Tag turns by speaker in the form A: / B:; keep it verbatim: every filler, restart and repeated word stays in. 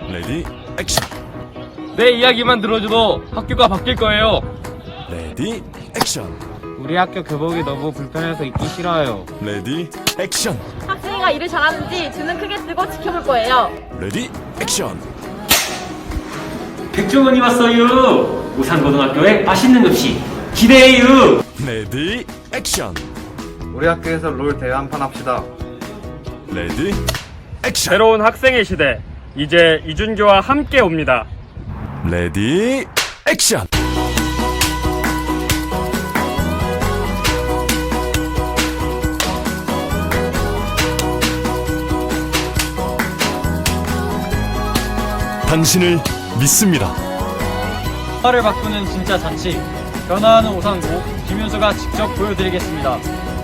A: 레디 액션.
B: 내 이야기만 들어줘도 학교가 바뀔 거예요.
A: 레디 액션.
B: 우리 학교 교복이 너무 불편해서 입기 싫어요.
A: 레디 액션.
C: 학생이가 일을 잘하는지 눈은 크게 뜨고 지켜볼 거예요.
A: 레디 액션.
D: 백종원이 왔어요. 우산고등학교의 맛있는 음식 기대해요.
A: 레디 액션.
E: 우리 학교에서 롤 대회 한 판 합시다.
A: 레디 액션.
F: 새로운 학생의 시대, 이제 이준규와 함께 옵니다.
A: 레디 액션. 당신을 믿습니다.
G: 화를 바꾸는 진짜 잔치, 변화하는 우상고 김윤수가 직접 보여드리겠습니다.